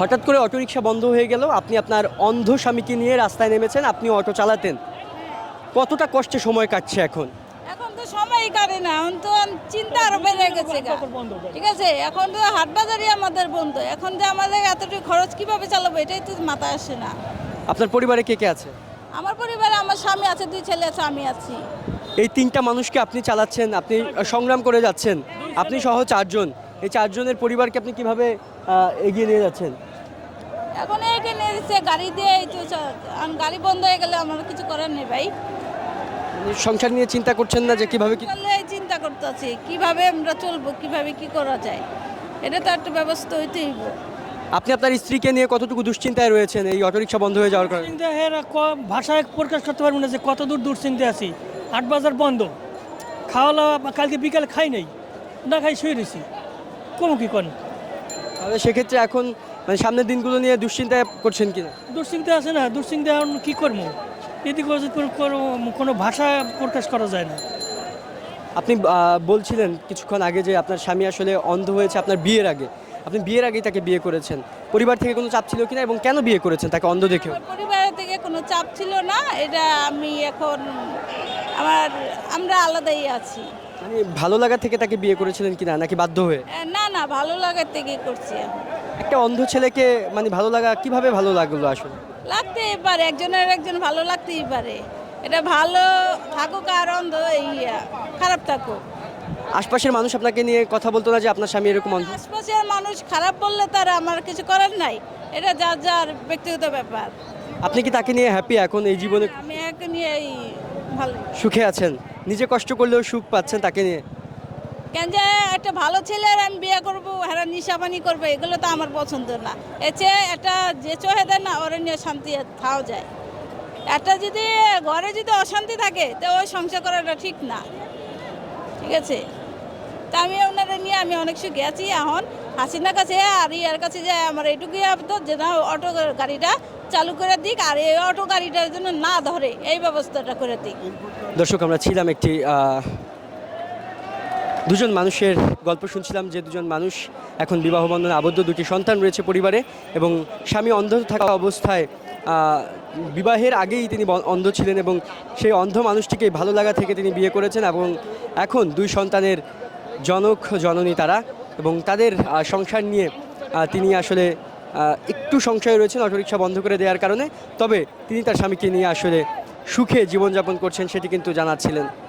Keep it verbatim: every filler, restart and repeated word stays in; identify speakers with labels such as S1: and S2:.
S1: হঠাৎ করে অটোরিকশা বন্ধ হয়ে গেল, আপনি আপনার অন্ধ স্বামীকে নিয়ে রাস্তায় নেমেছেন, আপনি অটো চালাতেন, কতটা কষ্টে সময় কাটছে এখন?
S2: এখন তো সময়ই কাটে না, এখন তো চিন্তা আরো বেড়ে গেছে গা। ঠিক আছে, এখন তো হাট বাজারই আমাদের বন্ধ, এখন যে আমাদের এতটুকু খরচ কিভাবে চালাবো এটাই তো মাথায় আসে না।
S1: আপনার পরিবারে কে কে আছে?
S2: আমার পরিবারে আমার স্বামী আছে, দুই ছেলে আছে, আমি আছি।
S1: এই তিনটা মানুষকে আপনি চালাচ্ছেন, আপনি সংগ্রাম করে যাচ্ছেন, আপনি সহ চারজন, এই চারজনের পরিবারকে আপনি কিভাবে আহ, এগিয়ে নিয়ে যাচ্ছেন?
S2: এখন এইটা নিয়ে দিচ্ছে গাড়ি দিয়ে, এই তো চ- এখন গাড়ি বন্ধ হয়ে গেলে আমার কিছু করার নেই ভাই।
S1: মানে সংসার নিয়ে চিন্তা করছেন না যে কিভাবে কি?
S2: চললে এই চিন্তা করতে আছি কিভাবে আমরা চলবো, কিভাবে কি করা যায়, এটা তো একটা ব্যবস্থা হইতেই হইব।
S1: আপনি আপনার স্ত্রীকে নিয়ে কতটুকু দুশ্চিন্তায় রয়েছেন এই অটোরিকশা বন্ধ হয়ে যাওয়ার কারণে?
S3: দুশ্চিন্তা এর ক- ভাষায় প্রকাশ করতে পারবো না যে কত দূর দুশ্চিন্তা আছি। আট বাজার বন্ধ, খাওয়া দাওয়া কালকে বিকালে খাই নাই, না খাই শুয়ে রয়েছি, কোনো কি করেন।
S1: তাহলে সেক্ষেত্রে এখন মানে সামনের দিনগুলো নিয়ে দুশ্চিন্তায় করছেন কিনা?
S3: দুশ্চিন্তা আছে না, দুশ্চিন্তা এখন কী করবো, এদিকে ওদিকে কোনো- কোনো- কোনো ভাষা প্রকাশ করা যায় না।
S1: আপনি আহ, বলছিলেন কিছুক্ষণ আগে যে আপনার স্বামী আসলে অন্ধ হয়েছে আপনার বিয়ের আগে, আপনি বিয়ের আগেই তাকে বিয়ে করেছেন, পরিবার থেকে কোনো চাপ ছিল কিনা এবং কেন বিয়ে করেছেন তাকে অন্ধ দেখেও?
S2: আমার পরিবারের থেকে কোনো চাপ ছিল না, এটা আমি এখন আমার আমরা আলাদাই আছি।
S1: মানে ভালো লাগা থেকে তাকে বিয়ে করেছিলেন কিনা নাকি বাধ্য হয়ে?
S2: এ, না না, ভালো লাগার থেকে করছি এখন।
S1: একটা অন্ধ ছেলেকে মানে ভালো লাগা কিভাবে ভালো লাগলো আসলে?
S2: লাগতেই পারে, একজনের একজন ভালো লাগতেই পারে, এটা ভালো থাকুক আর অন্ধ এই আহ, খারাপ থাকুক।
S1: আশপাশের মানুষ আপনাকে নিয়ে কথা বলতো না যে আপনার স্বামী এরকম অন্ধ?
S2: আশপাশের মানুষ খারাপ বললে তার আমার কিছু করার নাই, এটা যার যার ব্যক্তিগত ব্যাপার।
S1: আপনি কি তাকে নিয়ে হ্যাপি এখন এই জীবনে?
S2: আমি একে নিয়ে এই ভালো।
S1: সুখে আছেন, নিজে কষ্ট করলেও সুখ পাচ্ছেন তাকে নিয়ে?
S2: কেন যে একটা ভালো ছেলের আমি বিয়ে করবো, হ্যাঁ নিশাপানি করবো, এগুলো তো আমার পছন্দ না। এর চেয়ে একটা যে চোহে দেয় না ওরা নিয়ে শান্তি থাও যায়। একটা যদি ঘরে যদি অশান্তি থাকে তো ওই সংসার করাটা ঠিক না। ঠিক আছে, তা আমি ওনারা নিয়ে আমি অনেক সুখে আছি এখন। হাসিনার কাছে আর ইয়ার কাছে যে আমার এইটুকুই আবদার যে না অটো গাড়িটা চালু করে দিক, আর এই অটো গাড়িটার জন্য না ধরে এই ব্যবস্থাটা করে দিক।
S1: দর্শক, আমরা ছিলাম একটি আহ, দুজন মানুষের গল্প শুনছিলাম যে দুজন মানুষ এখন বিবাহ বন্ধনে আবদ্ধ, দুটি সন্তান রয়েছে পরিবারে এবং স্বামী অন্ধ থাকা অবস্থায় আহ, বিবাহের আগেই তিনি ব- অন্ধ ছিলেন এবং সেই অন্ধ মানুষটিকে ভালো লাগা থেকে তিনি বিয়ে করেছেন এবং এখন দুই সন্তানের জনক জননী তারা এবং তাদের আহ, সংসার নিয়ে আহ, তিনি আসলে আহ, একটু সংশয়ে রয়েছেন অটোরিকশা বন্ধ করে দেওয়ার কারণে, তবে তিনি তার স্বামীকে নিয়ে আসলে সুখে জীবনযাপন করছেন সেটি কিন্তু জানাচ্ছিলেন।